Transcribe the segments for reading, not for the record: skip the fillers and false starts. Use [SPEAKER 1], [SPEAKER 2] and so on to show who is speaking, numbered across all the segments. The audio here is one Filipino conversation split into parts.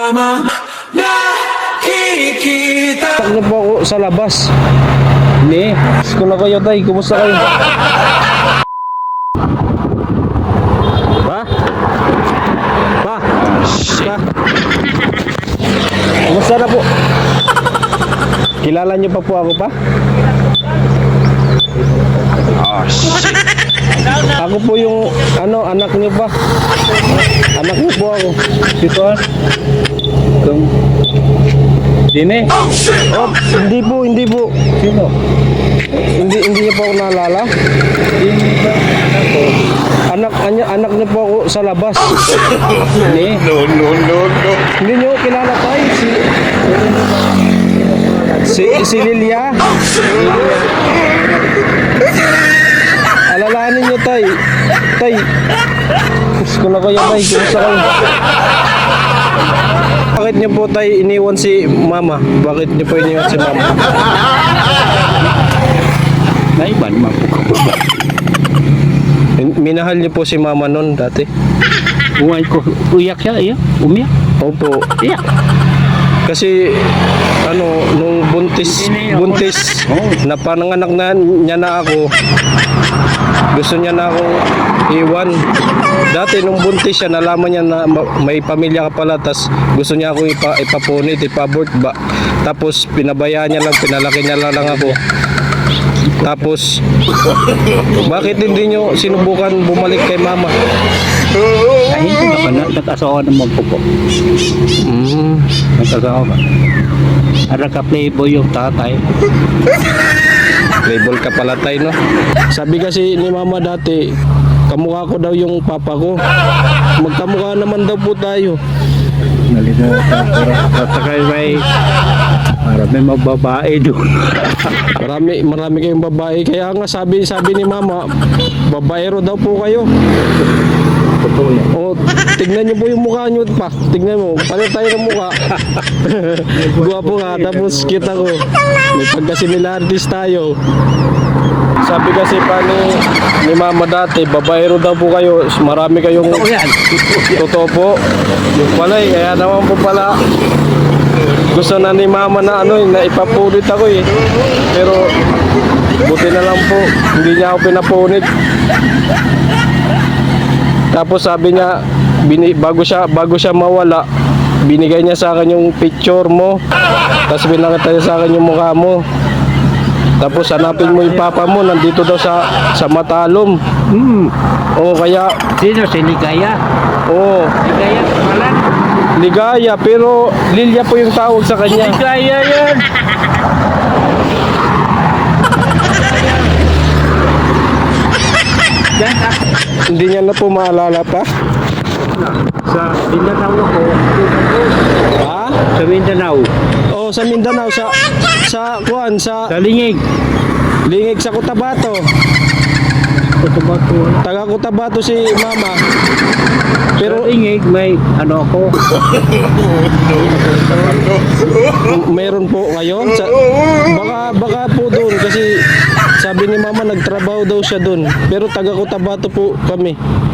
[SPEAKER 1] tamang nakikita.
[SPEAKER 2] Takbo po ako sa labas. Hindi. Kung na kayo tay, kumusta kayo? Pa? Pa? Pa? Kumusta na po? Kilala niyo pa po ako pa? Oh shit. Ako po yung anak niyo pa. Anak niyo po ako. Dito ah. Dine? Oh, hindi po. Sino? Hindi niyo po ako naalala? Anak niyo po ako sa labas. Ni? No. Hindi niyo kilala tayo si Lilia. Alalahanin niyo tay. Gusto na kayo tay, kumusta kayo? Bakit niyo po tay iniwan si mama? Bakit niyo po iniwan si mama?
[SPEAKER 3] Naiban mo po.
[SPEAKER 2] Minahal niyo po si mama noon dati?
[SPEAKER 3] Uyak siya, iya. Umiyak.
[SPEAKER 2] Opo.
[SPEAKER 3] Iyak.
[SPEAKER 2] Kasi nung buntis na pananganak na niya na ako, gusto niya na akong iwan. Dati nung buntis siya, nalaman niya na may pamilya ka pala, tas gusto niya ako ipapunit, ipabort ba. Tapos pinabayaan niya lang, pinalaki niya lang ako. Tapos bakit hindi niyo sinubukan bumalik kay mama?
[SPEAKER 3] Ay, hindi ka pa nag-asawa ng magpupo. Nag-asawa ba? Ara ka playboy yung tatay.
[SPEAKER 2] Label ka pala tayo, no? Sabi kasi ni mama dati, kamukha ko daw yung papa ko. Magkamukha naman daw po tayo.
[SPEAKER 3] Nalimutan ko. At saka may mababae doon.
[SPEAKER 2] Marami kayong babae. Kaya nga sabi ni mama, babaero daw po kayo.
[SPEAKER 3] Totoo yan.
[SPEAKER 2] O, tignan niyo po yung mukha niyo pa. Tignan mo, paano tayo ng mukha? Guwapo nga, tapos kita ko. May pagkasimilarities tayo. Sabi kasi pa ni mama dati, babaero daw po kayo. Marami kayong...
[SPEAKER 3] Totoo yan.
[SPEAKER 2] Totoo po. Yung pala kaya naman po pala gusto na ni mama na na ipapunit ako eh. Pero buti na lang po, hindi niya ako pinapunit. Tapos sabi niya, bago siya mawala, binigay niya sa akin yung picture mo. Tapos binakita niya sa akin yung mukha mo. Tapos hanapin mo yung papa mo, nandito daw sa Matalom. Oo, kaya...
[SPEAKER 3] Sino? Si Ligaya?
[SPEAKER 2] Oo.
[SPEAKER 3] Ligaya, pangalan?
[SPEAKER 2] Ligaya, pero Lilia po yung tawag sa kanya.
[SPEAKER 3] Ligaya yan!
[SPEAKER 2] Hindi niya na po maalala pa.
[SPEAKER 3] Sa Mindanao ako.
[SPEAKER 2] Ha?
[SPEAKER 3] Sa Mindanao.
[SPEAKER 2] Oh, sa Mindanao, sa
[SPEAKER 3] Lingig.
[SPEAKER 2] Lingig sa Cotabato.
[SPEAKER 3] Cotabato.
[SPEAKER 2] Taga Cotabato si mama. Pero
[SPEAKER 3] Sa Lingig may ako.
[SPEAKER 2] meron po ngayon baka po doon kasi sabi ni mama nagtrabaho daw siya doon. Pero taga Cotabato po kami.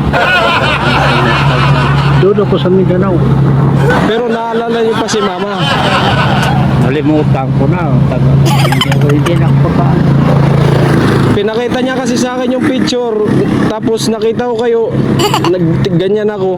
[SPEAKER 3] Doon ako sa Mindanao.
[SPEAKER 2] Pero naalala niyo pa si mama.
[SPEAKER 3] Nalimutan ko na. Hindi na ako pa.
[SPEAKER 2] Pinakita niya kasi sa akin yung picture. Tapos nakita ko kayo. Ganyan ako.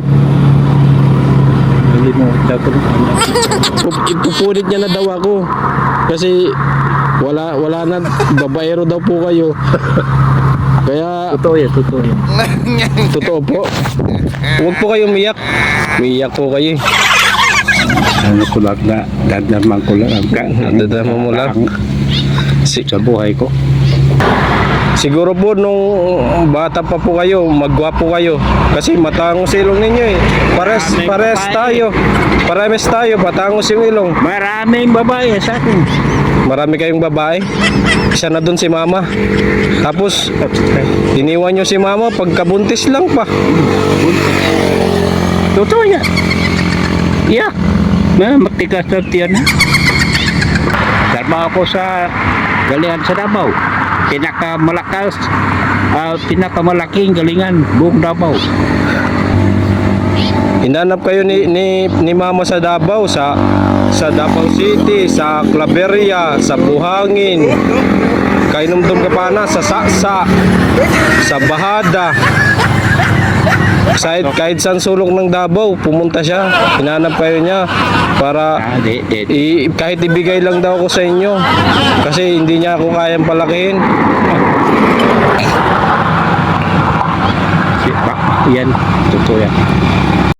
[SPEAKER 3] Nalimutan ko na.
[SPEAKER 2] Ipupunit niya na daw ako. Kasi wala na. Babaero daw po kayo. Kaya
[SPEAKER 3] Totoo yan, totoo yan.
[SPEAKER 2] totoo po. Huwag po kayo umiyak. Umiyak po kayo.
[SPEAKER 3] Ano ko lang na, dadamang ko lang.
[SPEAKER 2] Dadamang mo lang.
[SPEAKER 3] Sa buhay ko.
[SPEAKER 2] Siguro po nung bata pa po kayo, magwapo kayo. Kasi matangos ilong ninyo eh. Pares tayo. Pares tayo, matangos yung ilong.
[SPEAKER 3] Maraming babae sa akin.
[SPEAKER 2] Marami kayong babae. Isa na dun si mama. Tapos iniwan nyo si mama pagkabuntis lang pa.
[SPEAKER 3] Totoo yan. Yeah. Matigas na tiyan. Trabaho ako sa Galian sa Davao. Pinakamalaking galingan buong Davao.
[SPEAKER 2] Hinanap kayo ni Mama sa Davao, sa Davao City, sa Claveria, sa Buhangin. Kainom-dum ka pa na sa Saksa, sa Bahada. Kahit saan sulok ng Davao, pumunta siya. Hinanap kayo niya para kahit ibigay lang daw ako sa inyo. Kasi hindi niya ako kayang palakihin.
[SPEAKER 3] Yan, totoo yan.